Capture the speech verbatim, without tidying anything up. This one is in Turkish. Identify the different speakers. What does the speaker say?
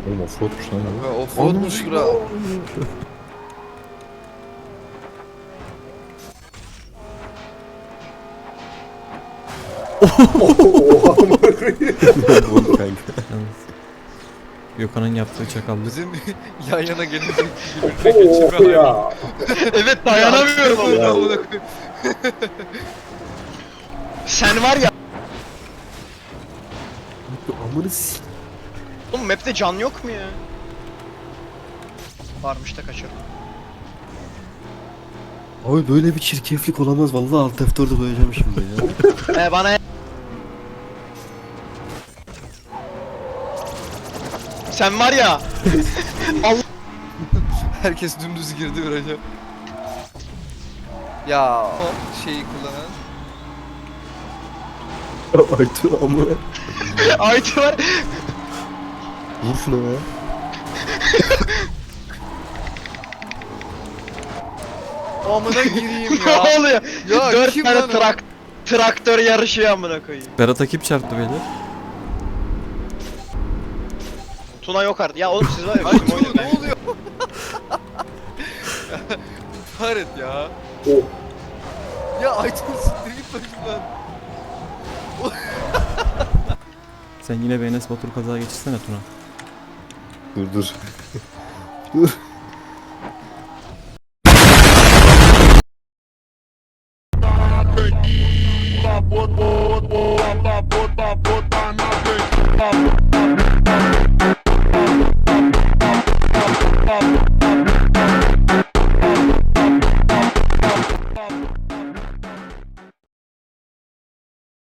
Speaker 1: Oğlum offroadmuş lan
Speaker 2: Ha,
Speaker 1: bu.
Speaker 2: offroadmuş bura.
Speaker 1: Oha amına koyayım. Bu kanka.
Speaker 3: Gökhan'ın yaptığı çakallık.
Speaker 2: Bizim yan yana gelince birbirine geçirme hali.
Speaker 1: ya.
Speaker 4: Evet dayanamıyorum
Speaker 2: Amına
Speaker 4: ama.
Speaker 2: koyayım.
Speaker 4: Sen var ya.
Speaker 1: Amına s***.
Speaker 4: Oğlum map'te can yok mu ya? Varmış da kaçırdım.
Speaker 1: Abi böyle bir çirkeflik olamaz vallahi alt F dört'e koyacağım şimdi ya.
Speaker 4: Ee bana Sen var ya.
Speaker 2: Herkes dümdüz girdi viraja. Ya o şeyi kullanan.
Speaker 1: Aytu amına.
Speaker 4: Aytu var.
Speaker 1: Vur şuna ya.
Speaker 2: Amına gireyim
Speaker 4: Ne
Speaker 2: ya.
Speaker 4: oluyor?
Speaker 2: Ya
Speaker 4: Dört
Speaker 2: kim
Speaker 4: tane
Speaker 2: lan o?
Speaker 4: trak traktör yarışıyor amına koyayım.
Speaker 3: Berat'a kim çarptı beyler?
Speaker 4: Tuna yok artık. Ya oğlum siz var ya
Speaker 2: Ay
Speaker 4: bizim
Speaker 2: Tuna
Speaker 4: oyunu.
Speaker 2: ne oluyor? Haret ya.
Speaker 1: Oh.
Speaker 2: Ya Aytun siktir git başımdan.
Speaker 3: Sen yine bir Enes Batur kaza geçirsene Tuna.
Speaker 1: Dur dur. Dur.
Speaker 5: One more, one more,